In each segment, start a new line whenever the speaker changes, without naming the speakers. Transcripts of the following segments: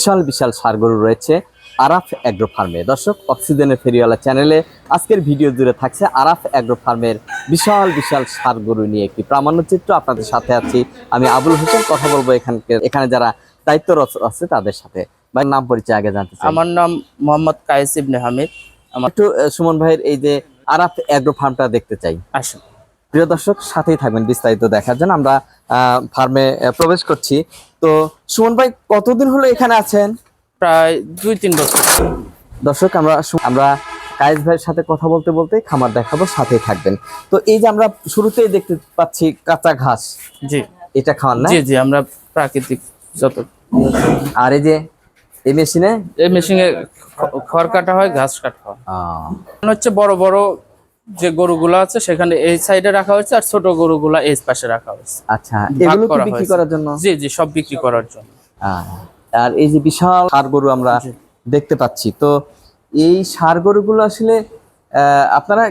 বিশাল বিশাল ষাঁড় গরু রয়েছে আরাফ এগ্রো ফার্মে। দর্শক, অক্সিজেনের ফেরিওয়ালা চ্যানেলে আজকের ভিডিও জুড়ে থাকছে আরাফ এগ্রো ফার্মের বিশাল বিশাল ষাঁড় গরু নিয়ে একটি প্রামাণ্যচিত্র। আপনাদের সাথে আছি আমি আবুল হোসেন। কথা বলবো এখানে যারা দায়িত্বরত আছে তাদের সাথে। ভাই, নাম পরিচয় আগে জানতে চাই।
আমার নাম মোহাম্মদ কায়েস ইবনে হামিদ।
একটু সুমন ভাইয়ের এই যে আরাফ এগ্রো ফার্মটা দেখতে চাই।
আসুন
প্রিয় দর্শক, সাথেই থাকবেন বিস্তারিত দেখার জন্য। আমরা ফার্মে প্রবেশ করছি। তো সুমন ভাই, কতদিন হলো এখানে আছেন?
প্রায় 2-3 বছর।
দর্শক, আমরা কায়েস ভাইয়ের সাথে কথা বলতে বলতে খামার দেখাবো, সাথেই থাকবেন। তো এই যে আমরা শুরুতেই দেখতে পাচ্ছি কাঁচা ঘাস,
জি
এটা খাওয়ান না?
জি জি, আমরা প্রাকৃতিক যত।
আর এই যে এই
মেশিনে খড় কাটা হয়, ঘাস কাটা হয়। হচ্ছে বড় বড় যে গরুগুলো আছে সেখানে এই সাইডে রাখা হয়েছে, আর ছোট গরুগুলা এই পাশে রাখা হয়েছে।
আচ্ছা, এগুলো কি বিক্রি করার জন্য?
জি জি, সব বিক্রি করার জন্য।
আর এই যে বিশাল ষাঁড় গরু আমরা দেখতে পাচ্ছি, তো এই ষাঁড় গরুগুলো আসলে আপনারা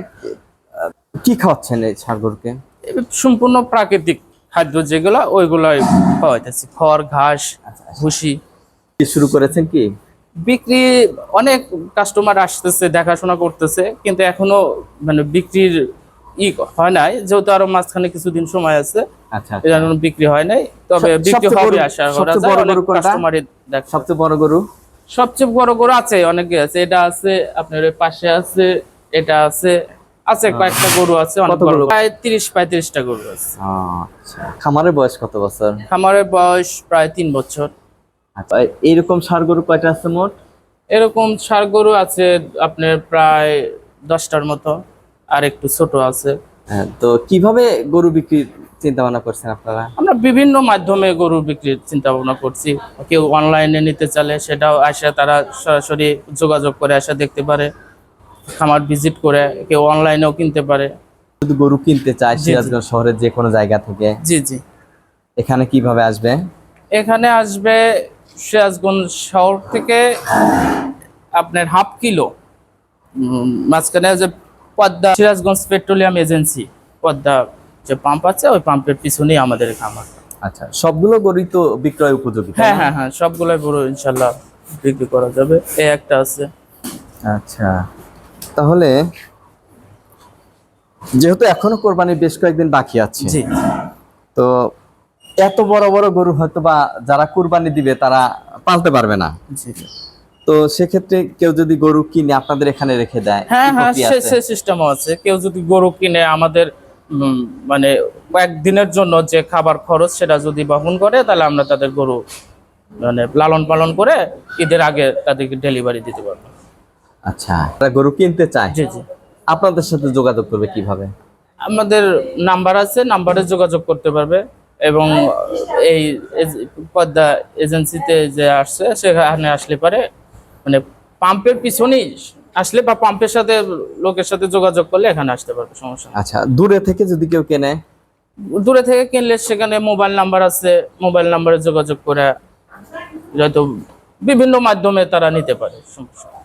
কি খাওয়াচ্ছেন এই ষাঁড় গরুকে?
সম্পূর্ণ প্রাকৃতিক খাদ্য যেগুলো, ওইগুলাই খাওয়াইতেছি, খড়, ঘাস, ভুসি।
শুরু করেছেন কি?
বিক্রি অনেক কাস্টমার আসতেছে, দেখাশোনা করতেছে, কিন্তু এখনো মানে বিক্রির হয় নাই, যেহেতু আরো মাঝখানে কিছুদিন সময় আছে।
আচ্ছা,
এই জন্য বিক্রি হয় নাই, তবে বিক্রি হবে আশা করা যায়। অনেক কাস্টমারই দেখ।
সবচেয়ে বড় গরু?
সবচেয়ে বড় গরু আছে, অনেকে আছে। এটা আছে, আপনার ওই পাশে আছে, এটা আছে, কয়েকটা গরু আছে, অনেক বড়, প্রায় 30-35টা গরু আছে।
আচ্ছা, খামারের বয়স কত বছর?
খামারের বয়স প্রায় 3 বছর।
আচ্ছা, এইরকম ষাঁড় গরু কয়টা আছে মোট?
এরকম ষাঁড় গরু আছে আপনার প্রায় 10টার মতো, আর একটু ছোট আছে।
হ্যাঁ, তো কিভাবে গরু বিক্রির চিন্তা ভাবনা করছেন আপনারা?
আমরা বিভিন্ন মাধ্যমে গরু বিক্রির চিন্তা ভাবনা করছি। কেউ অনলাইনে নিতে চাইলে সেটাও আসে, তারা সরাসরি যোগাযোগ করে আসে দেখতে পারে, খামার ভিজিট করে। কেউ অনলাইনেও কিনতে পারে।
যদি গরু কিনতে চায় সিরাজগঞ্জ শহরের যে কোনো জায়গা থেকে,
জি জি,
এখানে কিভাবে আসবে?
এখানে আসবে সিরাজগঞ্জ শহর থেকে আপনার হাফ কিলো মাঝখানে যে পদ্মা সিরাজগঞ্জ পেট্রোলিয়াম এজেন্সি, পদ্মা যে পাম্প আছে, ওই পাম্পের পিছনেই আমাদের খামার।
আচ্ছা, সবগুলো গরুই তো বিক্রয় উপযোগী?
হ্যাঁ হ্যাঁ হ্যাঁ, সবগুলোই গরু ইনশাল্লাহ বিক্রি করা যাবে। এই একটা আছে।
আচ্ছা, তাহলে যেহেতু এখনো কোরবানির বেশ কয়েকদিন বাকি আছে,
জি,
তো এত বড় বড় গরু হয়তো বা যারা কুরবানি দিবে তারা পালতে পারবে না।
জি,
তো সেক্ষেত্রে কেউ যদি গরু কিনে আপনাদের এখানে রেখে দেয়?
হ্যাঁ হ্যাঁ, সে সিস্টেমও আছে। কেউ যদি গরু কিনে আমাদের মানে কয়েকদিনের জন্য যে খাবার খরচ সেটা যদি বহন করে, তাহলে আমরা তাদের গরু মানে লালন পালন করে ঈদের আগে তাদেরকে ডেলিভারি দিতে পারবো।
আচ্ছা, তারা গরু কিনতে চায়,
জি জি,
আপনাদের সাথে যোগাযোগ করবে কিভাবে?
আমাদের নাম্বার আছে, নাম্বারে যোগাযোগ করতে পারবে। এবং এই পদ্মা এজেন্সিতে যে আসছে সেখানে আসলে পারে, মানে পাম্পের পিছনেই আসলে, বা পাম্পের সাথে লোকের সাথে যোগাযোগ করলে এখানে আসতে পারবে, সমস্যা নেই।
আচ্ছা, দূরে থেকে যদি কেউ কেনে?
দূরে থেকে কিনলে সেখানে মোবাইল নাম্বার আছে, মোবাইল নাম্বারে যোগাযোগ করে হয়তো বিভিন্ন মাধ্যমে তারা নিতে পারে, সমস্যা নেই।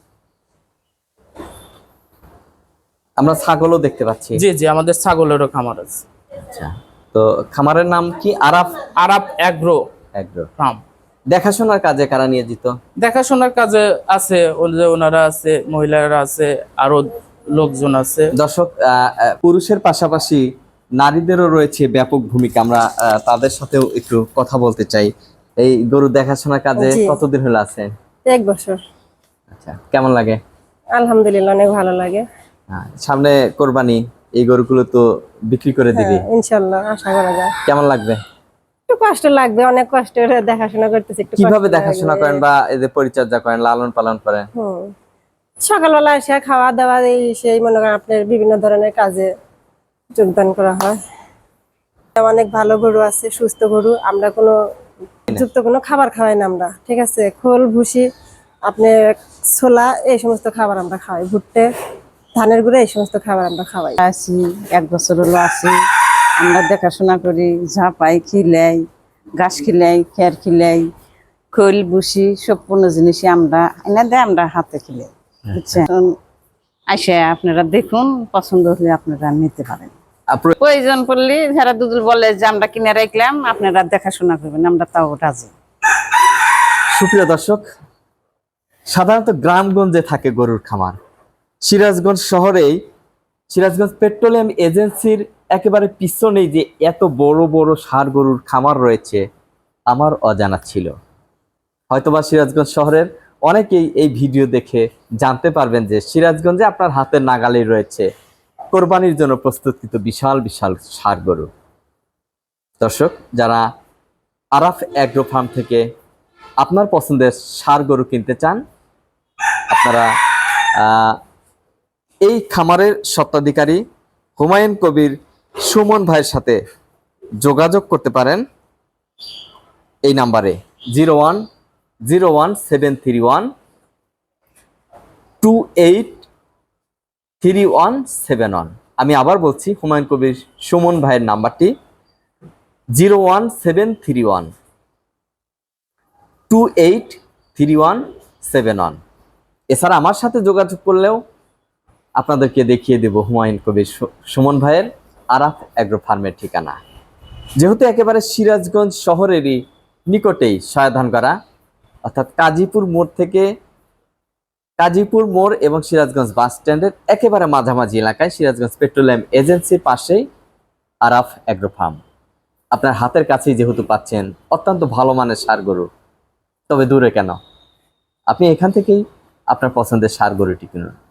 আমরা ছাগলও দেখতে পাচ্ছি।
জি জি, আমাদের ছাগলেরও খামার আছে।
আচ্ছা, তো খামারের নাম কি?
Araf agro farm.
দেখাশোনার কাজে কারা নিয়োজিত?
দেখাশোনার কাজে আছে ওনারা আছে, মহিলারা আছে, আরো লোকজন আছে।
দর্শক, পুরুষের পাশাপাশি নারীদেরও রয়েছে ব্যাপক ভূমিকা। আমরা তাদের সাথেও একটু কথা বলতে চাই। এই গরু দেখাশোনার কাজে কতদিন হলো আছেন?
1 বছর।
আচ্ছা, কেমন লাগে?
আলহামদুলিল্লাহ, অনেক ভালো লাগে।
সামনে কোরবানি, এই গরুগুলো তো বিক্রি করে দিবি
ইনশাআল্লাহ, আশা করা যায়।
কেমন লাগবে?
একটু কষ্ট লাগবে, অনেক কষ্ট করে দেখাশোনা করতেছি। একটু
কিভাবে দেখাশোনা করেন বা এদের পরিচর্যা করেন, লালন পালন করেন?
সকালবেলা এসে খাওয়া দাওয়া, এই সেই মনে করেন আপনার বিভিন্ন ধরনের কাজে যোগদান করা হয়। অনেক ভালো গরু আছে, সুস্থ গরু। আমরা কোনো যুক্ত কোনো খাবার খাওয়াই না আমরা, ঠিক আছে? খোল, ভুসি, আপনার ছোলা, এই সমস্ত খাবার আমরা খাওয়াই। ভুট্টে, ধানের গুঁড়ো, এই সমস্ত খাবার আমরা খাওয়াই।
আছি 1 বছর হলো আছি। আমরা দেখাশোনা করি, ঝাঁপাই, খিলাই, ঘাস খিলাই, খের খিলাই, খোল, ভুসি, সব কোনো জিনিসই আমরা এনে দেয়, আমরা হাতে খিলাই। বুঝছেন? আসে আপনারা দেখুন, পছন্দ হলে আপনারা নিতে পারেন। প্রয়োজন পড়লে যারা দুদুল বলে যে আমরা কিনে রাখলাম, আপনারা দেখাশোনা করবেন, আমরা তাও রাজি।
সুপ্রিয় দর্শক, সাধারণত গ্রামগঞ্জে থাকে গরুর খামার। সিরাজগঞ্জ শহরেই সিরাজগঞ্জ পেট্রোলিয়াম এজেন্সির একেবারে পিছনেই যে এত বড় বড় ষাঁড় গরুর খামার রয়েছে আমার অজানা ছিল। হয়তোবা সিরাজগঞ্জ শহরের অনেকেই এই ভিডিও দেখে জানতে পারবেন যে সিরাজগঞ্জে আপনার হাতের নাগালেই রয়েছে কোরবানির জন্য প্রস্তুতকৃত বিশাল বিশাল ষাঁড় গরু। দর্শক, যারা আরাফ অ্যাগ্রো ফার্ম থেকে আপনার পছন্দের ষাঁড় গরু কিনতে চান, আপনারা এই খামারের স্বত্বাধিকারী হুমায়ুন কবির সুমন ভাইয়ের সাথে যোগাযোগ করতে পারেন এই নাম্বারে 010731283171। আমি আবার বলছি, হুমায়ুন কবির সুমন ভাইয়ের নাম্বারটি 01731283171। এছাড়া আমার সাথে যোগাযোগ করলেও আপনাদেরকে দেখিয়ে দেব হুমায়ুন কবির সুমন ভাইয়ের আরাফ অ্যাগ্রো ফার্মের ঠিকানা। যেহেতু একেবারে সিরাজগঞ্জ শহরেরই নিকটেই সয়াধানগড়া, অর্থাৎ কাজীপুর মোড় এবং সিরাজগঞ্জ বাস স্ট্যান্ডের একেবারে মাঝামাঝি এলাকায় সিরাজগঞ্জ পেট্রোলিয়াম এজেন্সির পাশেই আরাফ অ্যাগ্রো ফার্ম। আপনার হাতের কাছেই যেহেতু পাচ্ছেন অত্যন্ত ভালো মানের ষাঁড় গরু, তবে দূরে কেন, আপনি এখান থেকেই আপনার পছন্দের ষাঁড় গরুটি কিনুন।